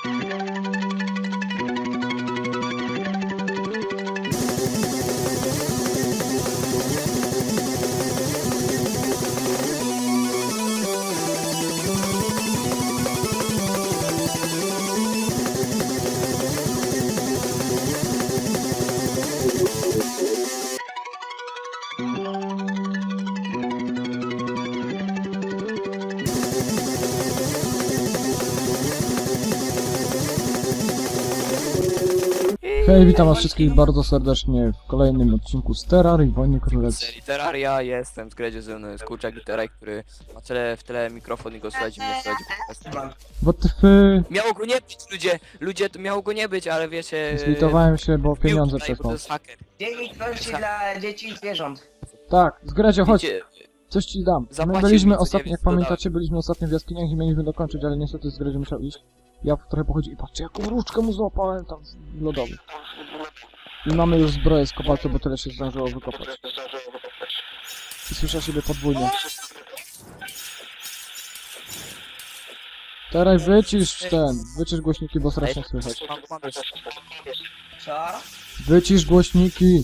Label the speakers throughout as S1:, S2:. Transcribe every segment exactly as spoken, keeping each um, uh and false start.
S1: Hej, witam was wszystkich bardzo serdecznie w kolejnym odcinku z Terrarii Wojny Królewskiej.
S2: Serii Terraria, jestem z Gredzie, ze mną jest Kurczak i Teraj, który ma tyle, w tyle mikrofon i go słuchać, mnie słuchać po prostu.
S1: What the f...
S2: Miało go nie być, ludzie, ludzie, to miało go nie być, ale wiecie...
S1: Zlitowałem się, bo
S2: wbił
S1: pieniądze
S2: tutaj, bo
S1: przesłał.
S2: To jest haker.
S3: Dziennik wolności dla dzieci i zwierząt.
S1: Tak, z Gredzio, chodź,
S2: Wiecie,
S1: coś ci dam. My
S2: Zapłacił
S1: byliśmy
S2: mi co
S1: ostatnio,
S2: dziewięć
S1: jak
S2: dodałem.
S1: pamiętacie, byliśmy ostatnio w jaskiniach i mieliśmy dokończyć, ale niestety z Gredzio musiał iść. Ja trochę pochodził i patrzcie, jaką różdżkę mu złapałem tam w lodowy. I mamy już zbroję z kobaltu, bo tyle się zdążyło wykopać. I słyszę siebie podwójnie. Teraz wycisz ten, wycisz głośniki, bo strasznie słychać.
S2: mam pomysł.
S3: Co?
S1: Wycisz głośniki!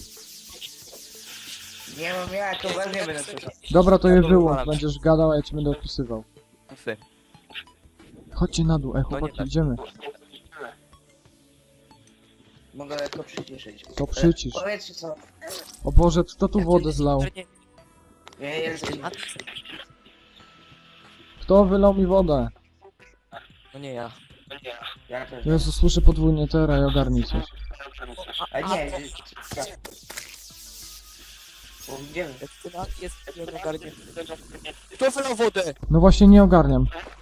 S3: Nie mam jak, to bardzo nie będę słyszał.
S1: Dobra, to
S2: Ja
S1: je
S2: to
S1: wyłącz,
S2: wywalam.
S1: będziesz gadał, a ja ci będę opisywał.
S2: Fy.
S1: Chodźcie na dół, ej
S2: No nie
S1: chłopaki,
S2: tak.
S1: idziemy.
S3: Mogę lekko przyciszyć.
S1: To przycisz.
S3: Powiedzcie co.
S1: O Boże, kto tu wodę zlał?
S3: Nie jestem.
S1: Kto wylał mi wodę?
S2: No nie ja.
S3: Jak to?
S1: Jezu, słyszę podwójnie teraz i ogarnij coś.
S3: A nie, co? Bo Gdzie wy?
S2: Jest jeden ogarnie. Kto wylał wodę?
S1: No właśnie nie ogarniam.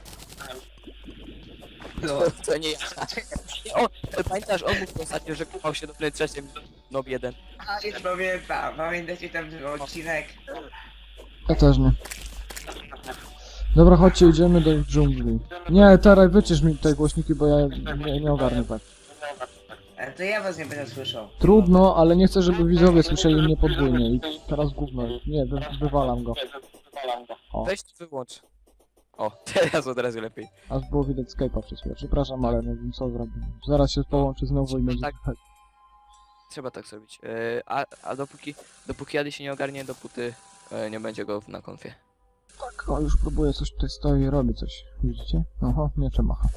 S3: No.
S2: To nie ja. O, pamiętasz, on mówił ostatnio, że kupał się do PlayStation Nob jeden.
S3: A nie pamiętam, pamiętacie tam ten odcinek?
S1: Ja też nie. Dobra, chodźcie, idziemy do dżungli. Nie, teraz wycisz mi te głośniki, bo ja nie, nie ogarnę tak.
S3: Ale to ja was nie będę słyszał.
S1: Trudno, ale nie chcę, żeby widzowie słyszeli mnie podwójnie. I teraz gówno. Nie, wy, wywalam go. O,
S2: Weź wyłącz. O, teraz od razu lepiej.
S1: aż było widać Skype'a przez chwilę. Przepraszam, ale nie wiem co zrobię. Zaraz się połączy znowu i będzie
S2: Tak.
S1: słychać.
S2: Trzeba tak zrobić. E, a, a dopóki, dopóki Ady się nie ogarnie, dopóty e, nie będzie go na konfie.
S1: Tak, o, już próbuję, coś tutaj stoi i robi coś. Widzicie? Oho, miecze macha.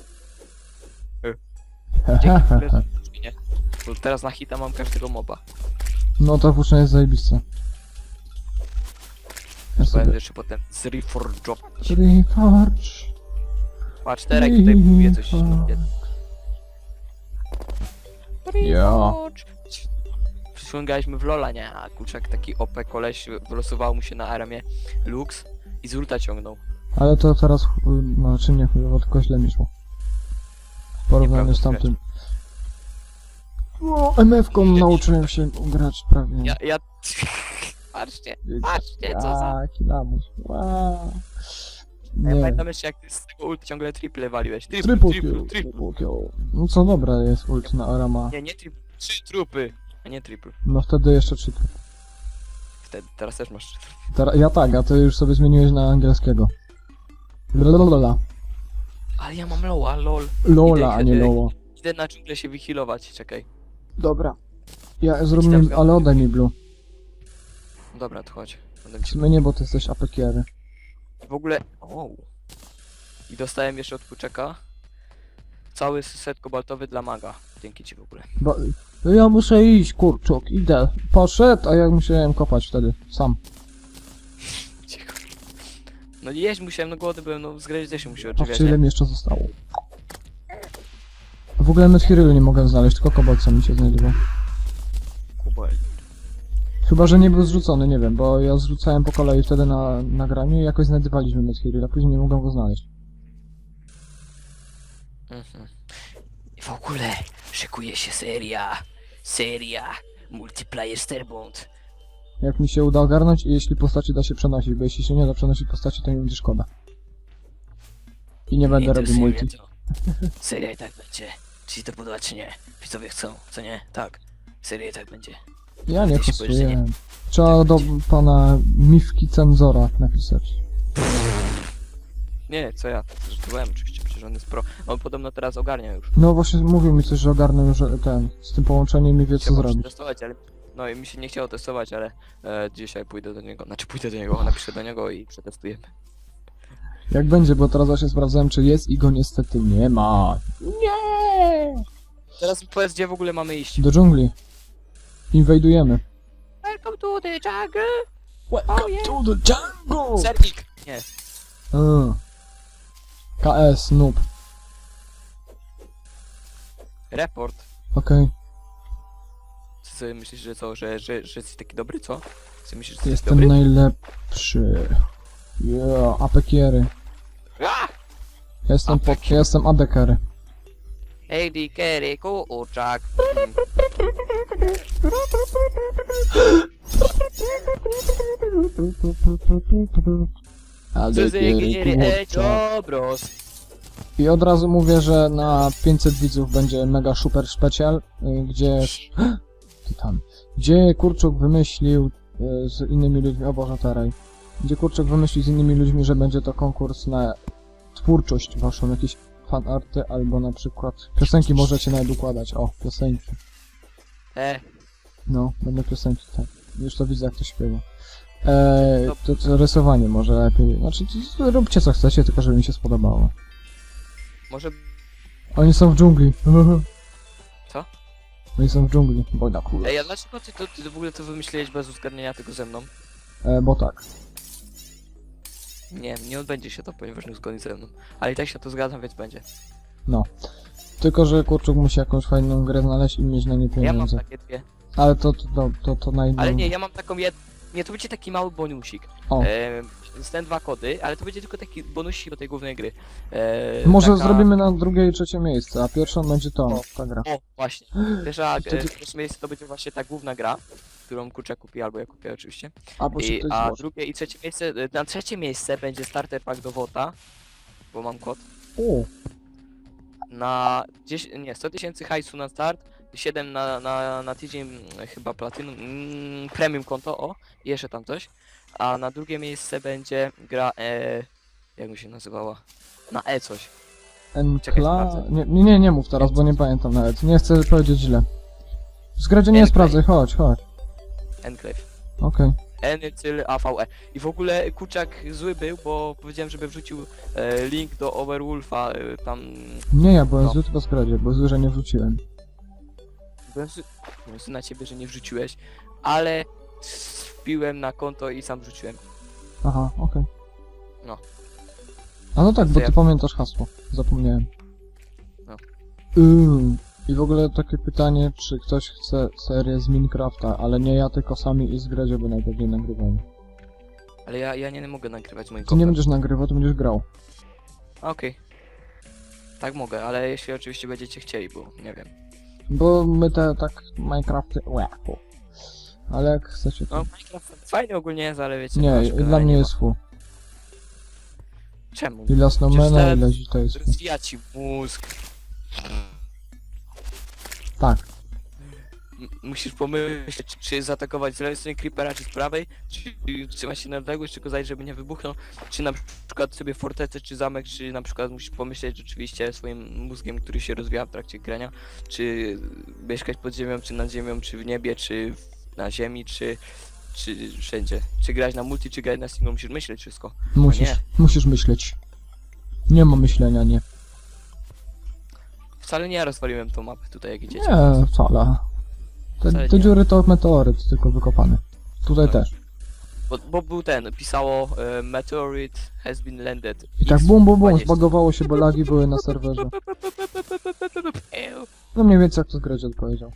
S2: Dzięki w ogóle, że nie. Bo teraz na hita mam każdego moba.
S1: No to włóczenie jest zajebiste. Ja
S2: Będę
S1: sobie...
S2: jeszcze potem z Reforge.
S1: Reforge.
S2: Patrz, Terek tutaj próbuje coś.
S1: Ja.
S2: Przyciągaliśmy w Lola, nie? A Kurczak taki O P koleś wylosował mu się na armię Lux i z ulta ciągnął.
S1: Ale to teraz, chuj- no czy nie chujowo, tylko źle mi szło. W porównaniu z
S2: Nieprawda,
S1: tamtym. O, M F-ką nauczyłem się grać prawie.
S2: Ja, ja... Patrzcie, patrzcie, co za...
S1: Jaki lamus. Wow.
S2: Ja
S1: Nie.
S2: pamiętam jeszcze, jak ty z tego ult ciągle triple waliłeś. Triple,
S1: Triple
S2: triple,
S1: kill,
S2: triple.
S1: triple kill. No co dobra jest ult na Arama.
S2: Nie, nie triple. Trzy trupy, a nie triple.
S1: No wtedy jeszcze trzy.
S2: Wtedy, teraz też masz trzy trupy.
S1: Teraz, ja tak, a ty już sobie zmieniłeś na angielskiego. Lola.
S2: Ale ja mam loła, lol.
S1: Lola, a nie
S2: Idę-
S1: Lola.
S2: Idę na dżunglę się wyhealować, czekaj.
S1: Dobra. Ja zrób
S2: Idź tam,
S1: mi, ale oddaj mi blue.
S2: Dobra, to chodź. Będę
S1: W
S2: ci...
S1: sumie nie, bo ty jesteś A P K-ery.
S2: W ogóle... O. I dostałem jeszcze od Kurczaka cały set kobaltowy dla maga. Dzięki ci w ogóle.
S1: Bo, ja muszę iść, kurczuk, idę. Poszedł, a ja musiałem kopać wtedy, sam.
S2: Cicho. No jeść musiałem, no głodny byłem, no z gry też się musi
S1: Patrzcie,
S2: odżywiać,
S1: ile
S2: nie?
S1: mi jeszcze zostało. W ogóle Medhirylu nie mogę znaleźć, tylko kobalt sam mi się znajdował.
S2: Kubel.
S1: Chyba, że nie był zrzucony, nie wiem, bo ja zrzucałem po kolei wtedy na nagraniu i jakoś znajdywaliśmy Medhiryl, a później nie mogłem go znaleźć.
S2: Mhm. I w ogóle szykuje się seria. Seria. Multiplayer Starbound.
S1: Jak mi się uda ogarnąć i jeśli postaci da się przenosić, bo jeśli się nie da przenosić postaci, to mi będzie szkoda. I nie będę
S2: to
S1: robił
S2: seria
S1: multi.
S2: to- Seria i tak będzie. Czy ci to podoba, czy nie? Widzowie chcą, co nie? Tak. Seria i tak będzie.
S1: Ja nie
S2: Ty się boisz, że nie?
S1: kosztuję. Trzeba do pana Miwki Cenzora napisać.
S2: Nie, co ja? Żartowałem oczywiście, przecież on jest pro. On podobno teraz ogarnia już.
S1: No właśnie mówił mi coś, że ogarnął już e, ten, z tym połączeniem i wie co
S2: Chciałbym
S1: zrobić.
S2: testować, ale... No i mi się nie chciało testować, ale e, dzisiaj pójdę do niego, znaczy pójdę do niego, napiszę do niego i przetestujemy.
S1: Jak będzie, bo teraz właśnie sprawdzałem, czy jest i go niestety nie ma. Nie!
S2: Teraz powiedz, gdzie w ogóle mamy iść.
S1: Do dżungli. Inwajdujemy.
S2: Welcome to the jungle!
S1: Welcome
S2: Oh, yeah.
S1: to the jungle!
S2: Sernik! Nie.
S1: Mm. K S, noob.
S2: Report.
S1: Okej.
S2: Ty sobie myślisz, że co, że, że, że jesteś taki dobry, co? Ty myślisz, że jesteś
S1: Jestem
S2: dobry?
S1: najlepszy. Yeah, apekiery.
S2: Ah!
S1: Jestem pod,
S2: Apekiery.
S1: jestem adekary.
S2: Hej, di, kery, kurczak.
S1: Adekiery, kurczak.
S2: Dobros.
S1: I od razu mówię, że na pięćset widzów będzie mega super specjal, y, gdzie... Ty tam. Gdzie Kurczuk wymyślił y, z innymi ludźmi... O Boże, Teraj. Gdzie Kurczuk wymyślił z innymi ludźmi, że będzie to konkurs na twórczość waszą, jakieś fanarty, albo na przykład piosenki możecie nawet układać. O, piosenki.
S2: E,
S1: No, będą piosenki, tak. Już to widzę, jak to śpiewa. Eee, to, to rysowanie może lepiej. Znaczy, to, róbcie co chcecie, tylko żeby mi się spodobało.
S2: może...
S1: Oni są w dżungli.
S2: Co?
S1: Oni są w dżungli, bo na kule.
S2: Ej, a dlaczego ty, to, ty w ogóle to wymyśliłeś bez uzgadnienia tego ze mną?
S1: E, bo tak.
S2: Nie, nie odbędzie się to, ponieważ nie uzgodni ze mną. Ale i tak się to zgadzam, więc będzie.
S1: No. Tylko, że Kurczuk musi jakąś fajną grę znaleźć i mieć na nie
S2: Ja mam
S1: pieniądze.
S2: takie dwie.
S1: Ale to, to, to, to, to na inną...
S2: Ale nie, ja mam taką jed... Nie, to będzie taki mały bonusik.
S1: O.
S2: E, z ten dwa kody, ale to będzie tylko taki bonusik do tej głównej gry. E,
S1: Może
S2: taka...
S1: zrobimy na drugie i trzecie miejsce, a pierwszą będzie to,
S2: O.
S1: ta gra.
S2: O, właśnie. Pierwsza, e,
S1: Wtedy-
S2: pierwsze miejsce to będzie właśnie ta główna gra, którą Kurczak kupi, albo ja kupię oczywiście.
S1: Albo się
S2: I,
S1: ktoś
S2: a
S1: złoży.
S2: drugie i trzecie miejsce, e, na trzecie miejsce będzie starter pack do Wota, bo mam kod.
S1: O,
S2: Na dziesięć, nie, sto tysięcy hajsu na start, siedem na, na, na tydzień mm, chyba platinum, mm, premium konto, o, i jeszcze tam coś. A na drugie miejsce będzie gra, e, jak mi się nazywała? Na E coś. Czekaj,
S1: Enkla...
S2: sprawdzę.
S1: Nie, nie, nie, nie mów teraz, bo nie pamiętam nawet. Nie chcę powiedzieć źle. Zgradzie nie
S2: Enclave.
S1: sprawdzaj, chodź, chodź.
S2: Enclave.
S1: Okej.
S2: Enycyl A V E. I w ogóle Kurczak zły był, bo powiedziałem, żeby wrzucił e, link do Overwolfa, e, tam...
S1: Nie, ja byłem
S2: No.
S1: zły tylko zgradzie, bo zły, że nie wrzuciłem.
S2: Byłem zły, byłem zły na ciebie, że nie wrzuciłeś, ale wbiłem na konto i sam wrzuciłem.
S1: Aha, okej.
S2: No.
S1: A no tak,
S2: To
S1: bo
S2: ja-
S1: ty pamiętasz hasło. Zapomniałem.
S2: No.
S1: Ym. I w ogóle takie pytanie, czy ktoś chce serię z Minecrafta, ale nie ja, tylko sami i zgradzie, bo najpewniej nagrywamy.
S2: Ale ja, ja nie mogę nagrywać moim
S1: Ty nie
S2: kompem.
S1: będziesz nagrywał, to będziesz grał.
S2: Okej. Tak mogę, ale jeśli oczywiście będziecie chcieli, bo nie wiem.
S1: Bo my te tak Minecrafty... Łe, fu. Ale jak chcecie to...
S2: No, Minecraft fajny ogólnie jest, ale wiecie...
S1: Nie,
S2: troszkę
S1: dla
S2: nie
S1: mnie
S2: ma.
S1: jest fu.
S2: Czemu?
S1: I dla Snowmana,
S2: Przecież
S1: i dla Zita jest fu.
S2: Rozwija ci mózg.
S1: Tak.
S2: M- musisz pomyśleć, czy, czy zaatakować z lewej strony creepera, czy z prawej, czy trzymać się na odległość, czy go zajść, żeby nie wybuchnął, czy na przykład sobie fortecę, czy zamek, czy na przykład musisz pomyśleć rzeczywiście swoim mózgiem, który się rozwija w trakcie grania, czy mieszkać pod ziemią, czy nad ziemią, czy w niebie, czy w, na ziemi, czy, czy wszędzie. Czy grać na multi, czy grać na single, musisz myśleć wszystko.
S1: Musisz,
S2: nie.
S1: musisz myśleć. Nie ma myślenia, nie.
S2: Wcale nie ja rozwaliłem tą mapę tutaj, jak idziecie.
S1: Nie, wcale. Te,
S2: Wcale
S1: te
S2: nie.
S1: dziury to meteoryt, tylko wykopany. Tutaj
S2: Tak.
S1: też.
S2: Bo, bo był ten, pisało e, meteorite has been landed.
S1: I tak bum bum bum,
S2: dwadzieścia.
S1: zbagowało się, bo lagi były na serwerze.
S2: Ew,
S1: No mniej więcej jak to zgradzie odpowiedział.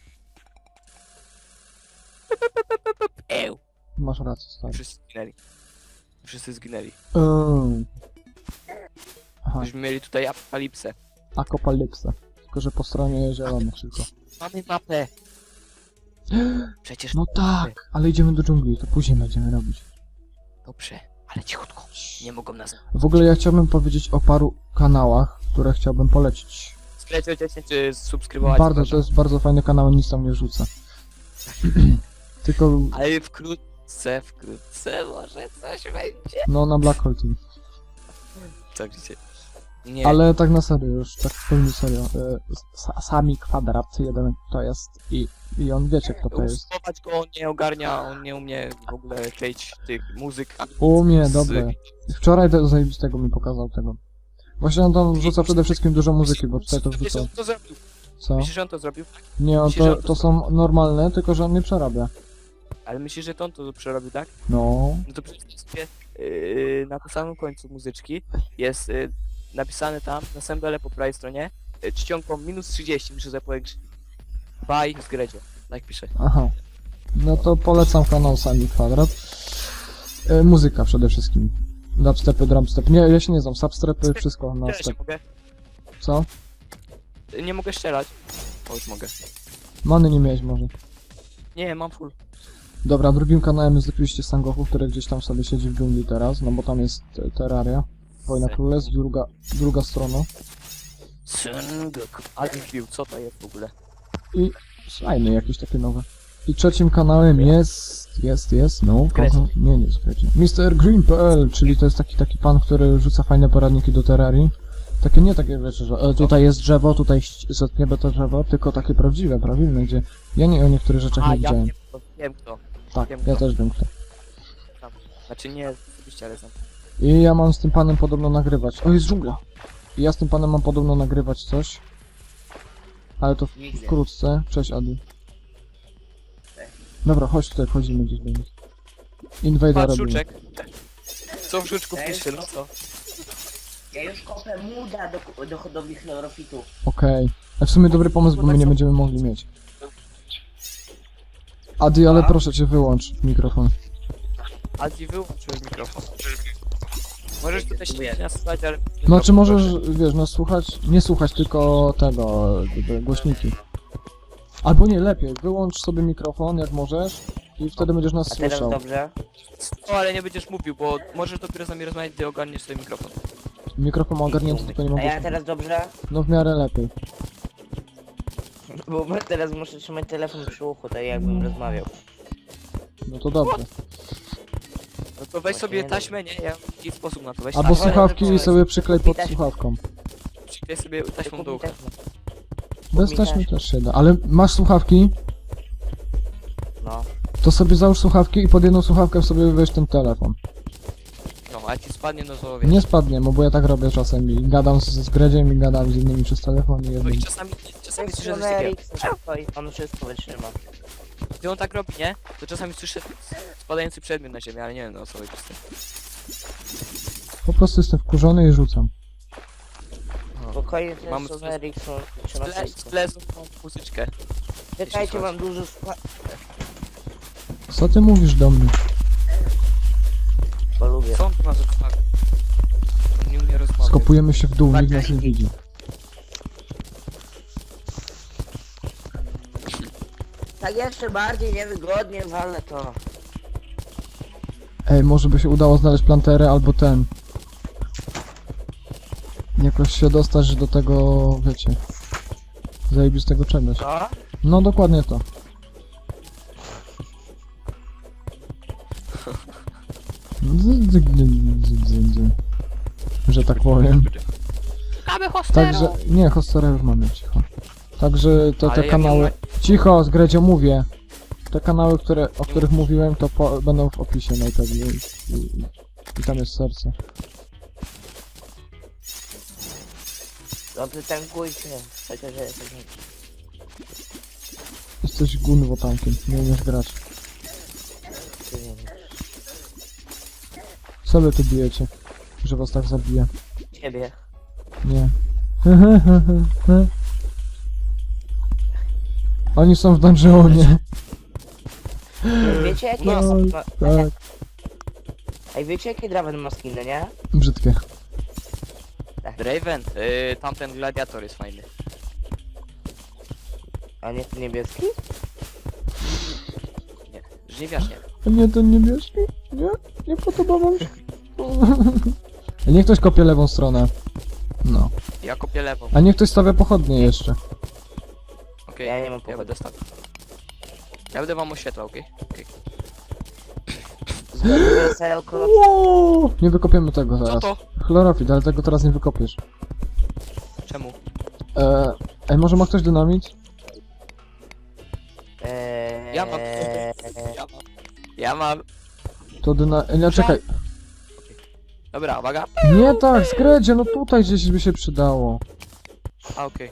S2: ew.
S1: Masz rację, stary.
S2: Wszyscy zginęli. Wszyscy zginęli.
S1: Ym. Aha,
S2: Byśmy mieli tutaj apokalipsę.
S1: akopalypsa. Tylko, że po stronie zielonych tylko.
S2: Mamy mapę. Przecież
S1: No tak, ale idziemy do dżungli, to później będziemy robić.
S2: dobrze, ale cichutko. Nie mogą nas.
S1: W ogóle ja chciałbym powiedzieć o paru kanałach, które chciałbym polecić.
S2: Sklecie dziesięć czy subskrybować.
S1: Bardzo,
S2: proszę.
S1: to jest bardzo fajny kanał, nic tam nie rzucę. Tylko,
S2: Ale wkrótce, wkrótce może coś będzie.
S1: no na Black Hole Team.
S2: Co widzicie? Nie,
S1: Ale tak na serio już, tak w pełni serio. E, sa, sami kwadrat jeden to jest i, i on wiecie kto to jest.
S2: usuwać go on nie ogarnia, on nie umie w ogóle kleić tych muzyk. ani
S1: Umie,
S2: z-
S1: dobre. Wczoraj do zajebistego mi pokazał tego. Właśnie on tam wrzuca przede wszystkim dużo muzyki, bo tutaj to
S2: Myślisz,
S1: wrzuca.
S2: że on to zrobił?
S1: Co?
S2: Myślisz, że on to zrobił?
S1: Nie, on
S2: myślisz, że
S1: to,
S2: on to
S1: to są normalne, tylko że on nie przerabia.
S2: Ale myślisz, że to on to przerobił, tak?
S1: No.
S2: No to przeczytaj sobie yy, na tym samym końcu muzyczki jest yy, napisane tam na samym dole po prawej stronie yy, czcionką minus trzydzieści, muszę zapowiedzieć. Bye z Gredzie, tak pisze.
S1: Aha. No to polecam kanał Sami Kwadrat. E, muzyka przede wszystkim. Dubstepy, drumstep. Nie, ja się nie znam. Substrepy, wszystko na
S2: Strzelać
S1: step.
S2: nie mogę?
S1: Co?
S2: Yy, Nie mogę strzelać. O, już mogę.
S1: Many nie miałeś może.
S2: Nie, mam full.
S1: Dobra, drugim kanałem jest oczywiście Sangoku, który gdzieś tam sobie siedzi w dżungli teraz, no bo tam jest e, Terraria. Wojna Królestw, druga, druga strona.
S2: Sengoku. Ale wbił, co to jest w ogóle?
S1: I slajmy jakieś takie nowe. I trzecim kanałem jest, jest, jest, no,
S2: Greci.
S1: kogo? Nie, nie jest Greci. mister Green kropka p l, czyli to jest taki taki pan, który rzuca fajne poradniki do Terrarii. Takie nie takie rzeczy, że e, tutaj jest drzewo, tutaj ś- zetniemy to drzewo, tylko takie prawdziwe, prawilne, gdzie ja nie o niektórych rzeczach
S2: A,
S1: nie
S2: ja
S1: widziałem.
S2: wiem kto, wiem kto.
S1: Tak,
S2: wiem
S1: ja
S2: kto.
S1: też wiem kto.
S2: Znaczy nie, oczywiście, ale znam.
S1: I ja mam z tym panem podobno nagrywać. O, jest dżungla! I ja z tym panem mam podobno nagrywać coś. Ale to
S3: Widzę.
S1: wkrótce. Cześć, Adi. Dobra, chodź tutaj, wchodzimy gdzieś do nich. Invader
S2: Patrz,
S1: robimy.
S2: żuczek. Co w żuczku
S3: Ej.
S2: pisze, no co?
S3: Ja już kopę muda do, do hodowli chlorofitu.
S1: Okej. A w sumie dobry pomysł, bo my nie będziemy mogli mieć. Adi, ale
S3: A?
S1: proszę cię, wyłącz mikrofon.
S2: Adi, wyłączyłeś mikrofon. Możesz tutaj się nas słuchać, ale...
S1: Znaczy możesz, wiesz, no słuchać, nie słuchać tylko tego, te głośniki. Albo nie, lepiej, wyłącz sobie mikrofon jak możesz i wtedy będziesz nas
S3: A teraz
S1: słyszał.
S3: dobrze?
S2: No ale nie będziesz mówił, bo możesz dopiero z nami rozmawiać, gdy ogarniesz sobie mikrofon.
S1: Mikrofon ma ogarnięty, tylko nie
S3: A
S1: mogę.
S3: ja teraz dobrze?
S1: No w miarę lepiej.
S3: Bo teraz muszę trzymać telefon przy uchu, tak jakbym rozmawiał.
S1: No to dobrze.
S2: No to weź sobie taśmę, nie? Ja mam taki sposób na to, weź
S1: Albo
S3: Ale
S2: taśmę,
S1: słuchawki
S3: ale-
S1: i sobie przyklej pod
S3: Widać-
S1: słuchawką.
S2: przyklej sobie taśmą do ucha.
S1: Bez
S3: mi
S1: taśmy
S3: taśmę.
S1: też się da. Ale masz słuchawki,
S3: No.
S1: to sobie załóż słuchawki i pod jedną słuchawkę sobie weź ten telefon.
S2: No, a jak ci spadnie, no to wiesz.
S1: Nie spadnie, no bo ja tak robię czasem i gadam z, z Gredziem i gadam z innymi przez telefon i
S2: No
S1: jednym.
S2: i czasami, czasami słyszę coś takiego.
S3: i on wszystko wytrzyma.
S2: Gdy on tak robi, nie? To czasami słyszę spadający przedmiot na ziemię, ale nie wiem, no o co chodzi z tym.
S1: Po prostu jestem wkurzony i rzucam.
S3: Spokojnie,
S2: Mamy
S3: ten
S2: coś-
S3: Sony Ericsson trzyma
S2: Tle-
S3: wszystko.
S2: Tlezą tą muzyczkę.
S3: Czekajcie, mam dużo skła...
S1: Co ty mówisz do mnie?
S3: Bo lubię.
S2: Co on tu ma za słuchawki? On nie umie rozmawiać.
S1: Skopujemy się w dół, nikt nas nie widzi.
S3: Tak jeszcze bardziej niewygodnie walę to.
S1: Ej, może by się udało znaleźć planterę albo ten. Jakoś się dostać do tego, wiecie, zajebistego czegoś.
S3: Co?
S1: No dokładnie to. Dzy- dzy- dzy- dzy- dzy. Że tak powiem.
S2: Szukamy hostelu!
S1: Także, nie, hostera już mamy, cicho. Także to
S2: Ale
S1: te
S2: ja
S1: kanały...
S2: nie
S1: Cicho, z Gredzio mówię. Te kanały, które, o których mówiłem, to po, będą w opisie najpewniej. I, i, I tam jest serce.
S3: Dobrze, tankujcie. Chociaż ja jestem...
S1: Jesteś gunwo tankiem, nie umiesz grać. Co wy tu bijecie? Że was tak zabije.
S3: Ciebie.
S1: Nie. Oni są w dungeonie.
S3: Wiecie jakie
S1: No,
S3: jest...
S1: tak.
S3: Ej, wiecie jakie Draven ma skiny, nie?
S1: Brzydkie.
S2: Draven, yy, tamten gladiator jest fajny.
S3: A nie ten niebieski?
S2: Nie, żniwiarz nie.
S1: A nie ten niebieski? Nie? Nie podoba wam się? Niech ktoś kopie lewą stronę. No.
S2: Ja kopię lewą.
S1: A niech ktoś stawia pochodnie jeszcze.
S2: Okej,
S3: Ja nie mam
S2: ja
S3: powodu.
S2: będę stawiał. Ja będę wam oświetlał, okej? Okej.
S3: Zgodnie z Elko...
S1: Wow! Nie wykopiemy tego
S2: Co
S1: zaraz.
S2: to?
S1: Chlorofit, ale tego teraz nie wykopiesz.
S2: Czemu?
S1: Eee, ej, może ma ktoś dynamit?
S4: Eee,
S2: Ja mam. Ja mam. Ja mam.
S1: To dyna... Ej, nie, czekaj.
S2: Dobra, uwaga.
S1: Nie tak, Zgredzie, no tutaj gdzieś by się przydało.
S2: A, okej.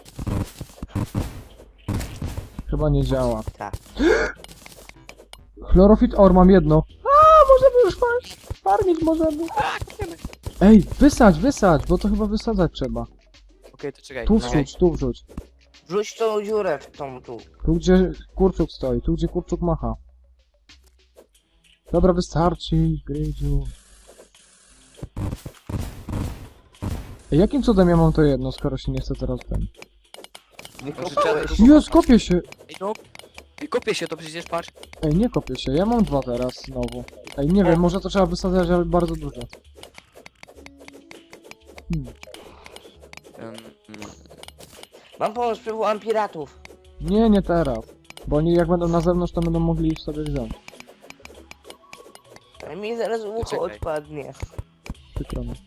S1: Chyba nie działa.
S4: Tak.
S1: Chlorofit or, mam jedno. A, możemy już far- farmić, możemy. Ej, wysadź, wysadź, bo to chyba wysadzać trzeba.
S2: Okej, to czekaj.
S1: Tu
S2: czekaj.
S1: wrzuć, tu wrzuć.
S4: Wrzuć tą dziurę w tą tu.
S1: Tu gdzie kurczuk stoi, tu gdzie kurczuk macha. Dobra, wystarczy, Grydziu. Ej, jakim cudem ja mam to jedno, skoro się nie chce teraz ten...
S4: Wykopałeś.
S2: Może
S1: Jest, kopię się!
S2: Ej, no. Ej, kopię się, to przecież patrz.
S1: Ej, nie kopię się, ja mam dwa teraz znowu. Ej, nie wiem, może to trzeba wysadzać, ale bardzo dużo. Hmm.
S2: Um, mm.
S4: Mam pomysł, przywołam piratów.
S1: Nie, nie teraz. Bo oni jak będą na zewnątrz, to będą mogli sobie wziąć.
S4: A mi zaraz ucho
S2: Czekaj.
S4: odpadnie.
S1: Przykro mi.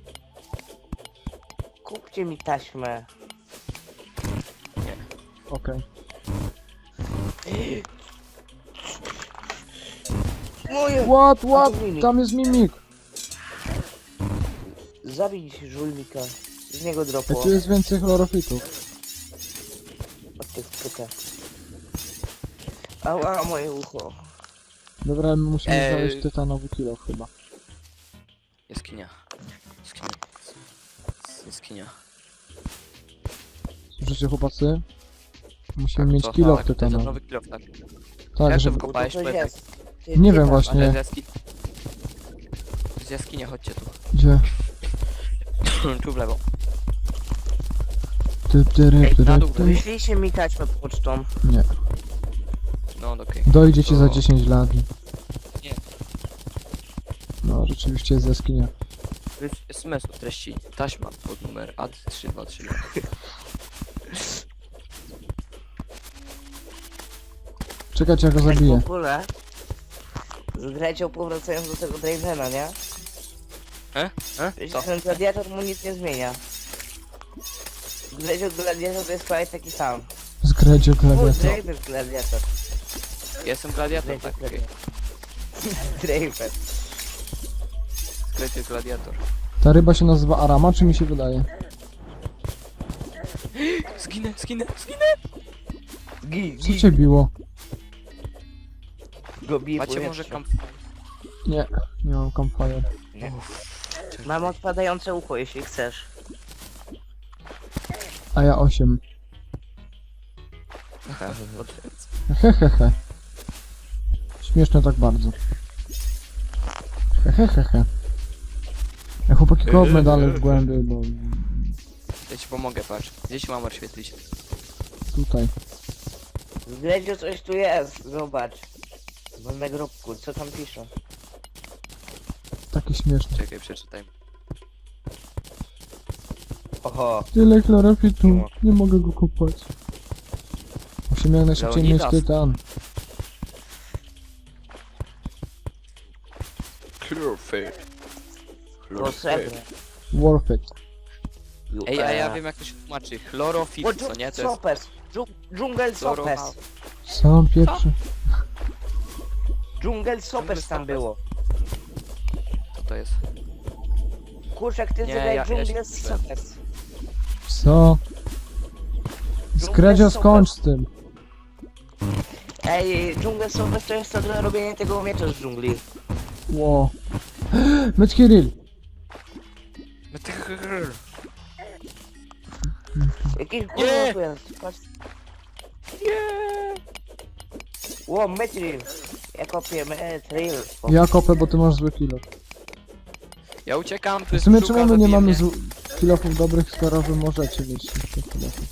S4: Kupcie mi taśmę.
S1: Okej.
S4: Moje!
S1: What,
S4: A
S1: what?
S4: to mimik.
S1: Tam jest mimik.
S4: Zabić żulnika. Z niego
S1: Ej,
S4: dropło.
S1: tu jest więcej chlorofitów.
S4: Od tych pyta. Ała, moje ucho.
S1: Dobra, my musimy
S2: Ej.
S1: znaleźć tytanowy kilo chyba.
S2: Jaskinia. Jaskinia. Jaskinia.
S1: Słyszycie, chłopacy? Musimy
S2: Tak,
S1: mieć
S2: to-
S1: kilo
S2: tak, to jest
S1: tytanowy.
S2: nowy kilo, tak.
S1: Tak,
S2: Jak
S1: żeby...
S2: to wykopałeś,
S4: To coś
S2: powiedz?
S4: jest. Ty,
S1: Nie
S4: ty
S1: wiem
S4: tam.
S1: właśnie.
S2: Ale z jaskini. Z jaskinia, chodźcie tu.
S1: Gdzie?
S2: Tu w lewo.
S1: Ty, ty, ry,
S2: Ej,
S1: ty,
S2: na
S1: ry,
S2: dół,
S1: ty.
S4: Wyślijcie mi taśmę pocztą.
S1: Nie.
S2: No, okej.
S1: Dojdzie ci za
S2: To-
S1: dziesięć lat.
S2: Nie.
S1: No, rzeczywiście jest jaskinia.
S2: S M S o treści. Taśma pod numer A trzy dwa trzy.
S1: Czekajcie, ja go
S4: Tak
S1: zabiję.
S4: w ogóle. Z Grecią powracając do tego Dravena, nie?
S2: E? E?
S4: Wiecie,
S2: Co?
S4: ten gladiator mu nic nie zmienia. Grecią gladiator to jest prawie taki sam.
S1: Zgredzie
S4: O,
S1: gladiator.
S4: Draven gladiator.
S2: Jestem gladiator, tak, okej.
S4: Draven.
S2: Skryty gladiator.
S1: Ta ryba się nazywa Arama, czy mi się wydaje?
S2: Zginę, zginę, zginę!
S4: Gi,
S1: Co cię biło?
S4: Go bije
S2: Macie
S4: powietrze.
S2: może kamp...
S1: Nie, nie mam campfire.
S4: Nie. Mam odpadające ucho, jeśli chcesz.
S1: A ja osiem.
S2: Odręc.
S1: Hehehe. Śmieszne tak bardzo. Hehehe. Ja chłopaki kopmy dalej w głębi, bo
S2: Ja ci pomogę, patrz. Gdzie ci mam oświetlić?
S1: tutaj.
S4: W Greciu coś tu jest, zobacz. Mam na grobku, co tam pisze?
S1: Takie śmieszne.
S2: Czekaj, przeczytaj.
S4: Oho.
S1: Tyle chlorofitu, nie mogę go kopać. Musimy jak najszybciej mieć
S2: Leonidas.
S1: tytan.
S2: Chlorofit.
S4: O, srebrne.
S1: Worth it.
S2: Ej, a ja wiem jak to się tłumaczy. Chlorofit,
S4: O,
S2: co nie? To jest...
S4: Sopes. Dżu- Dżungel
S2: Chloro-
S4: Sopes.
S1: Sam pierwszy.
S4: Dżungel Sopes tam było.
S2: Co to jest?
S4: Kurczak, ty
S2: Nie,
S4: zadaj
S2: ja- ja się
S4: Dżungel
S2: nie
S4: Sopes.
S1: Co? Skredzio, skończ z tym.
S4: Ej, Dżungel Sopes to jest to do robienia tego miecza z dżungli.
S1: Ło. Metkiril.
S4: Jakiś
S2: Nie!
S4: gówno tu jest. Patrz. Ło, Metril. Ja kopię Metril.
S1: Ja kopę, bo ty masz zły kilo.
S2: Ja uciekam, tu
S1: W
S2: jest
S1: sumie
S2: pszczółka,
S1: czemu my nie
S2: zabije
S1: mamy
S2: mnie.
S1: zł- kilofów dobrych, skoro wy możecie mieć tych kilofów?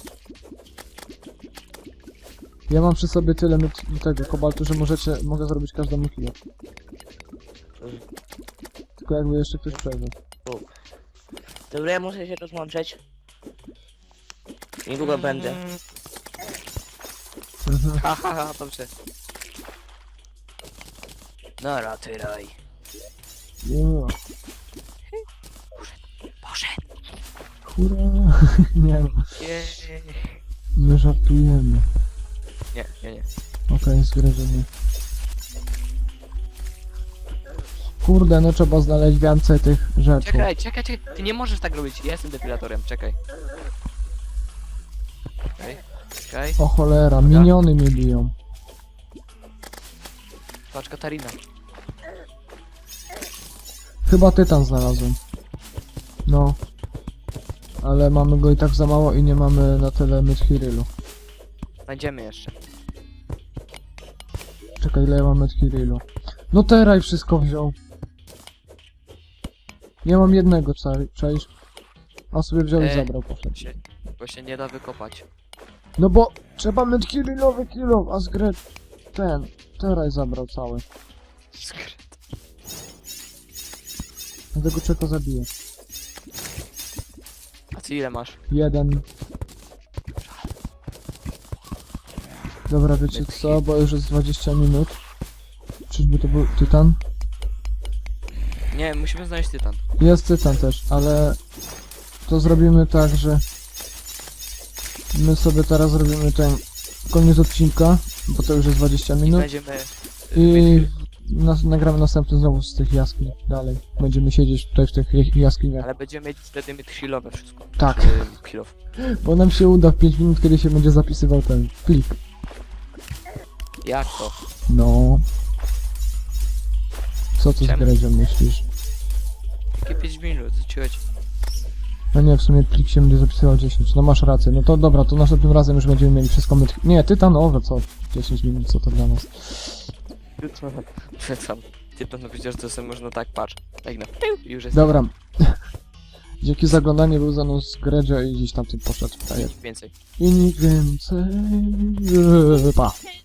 S1: Ja mam przy sobie tyle met- tego kobaltu, że możecie, mogę zrobić każdemu kilo. Tylko jakby jeszcze ktoś przejdzie.
S4: Dobra, ja muszę się rozłączyć. Niedługo będę.
S1: Mhm.
S2: Ha, ha, ha, dobrze. No, raty raj.
S1: Yeah. Hurra! Nie no,
S2: Jej.
S1: my żartujemy.
S2: Nie, nie, nie.
S1: Okej, zgryziemy. Kurde, no trzeba znaleźć więcej tych rzeczy.
S2: Czekaj, czekaj, czekaj. Ty nie możesz tak robić. Ja jestem depilatorem, czekaj. Czekaj, czekaj.
S1: O cholera, miniony mnie biją.
S2: Patrz, Katarina.
S1: Chyba tytan znalazłem. No. Ale mamy go i tak za mało i nie mamy na tyle Medhirilu.
S2: Będziemy jeszcze.
S1: Czekaj, ile ja mam Medhirilu. No teraj wszystko wziął. Ja mam jednego, czaj- czaisz? A sobie wziął i
S2: Ej.
S1: zabrał, poszedł.
S2: Się, bo się nie da wykopać.
S1: No bo trzeba Medhirilowy kilo, a zgrę... ten... teraj zabrał cały.
S2: Skryt.
S1: Dlatego czego zabiję.
S2: A ty ile masz?
S1: Jeden. Dobra, wiecie co, bo już jest dwadzieścia minut. Czyżby to był tytan?
S2: Nie, musimy znaleźć tytan.
S1: Jest tytan też, ale to zrobimy tak, że my sobie teraz zrobimy ten koniec odcinka, bo to już jest dwadzieścia
S2: I
S1: minut
S2: będziemy...
S1: i nas, nagramy następny znowu z tych jaskiń dalej. Będziemy siedzieć tutaj w tych j- jaskiniach,
S2: Ale będziemy mieć wtedy mieć chwilowe wszystko.
S1: Tak.
S2: Czy Chwilow.
S1: bo nam się uda w pięć minut, kiedy się będzie zapisywał ten plik.
S2: Jak to?
S1: No. Co ty z
S2: Czemu?
S1: Gredzią myślisz?
S2: Takie pięć minut, co ci chodzi?
S1: No nie, w sumie plik się będzie zapisywał dziesięć. No masz rację, no to dobra, to następnym razem już będziemy mieli wszystko myt... Nie, tytanowe, co? dziesięć minut, co to dla nas?
S2: Tytan. Tytan, no przecież to sobie można tak, patrz. Tak no. I już jest
S1: Dobra. Dzięki za oglądanie, był za mną z Gredzio i gdzieś tam tym poszedł frajer.
S2: więcej.
S1: I nikt więcej... Pa.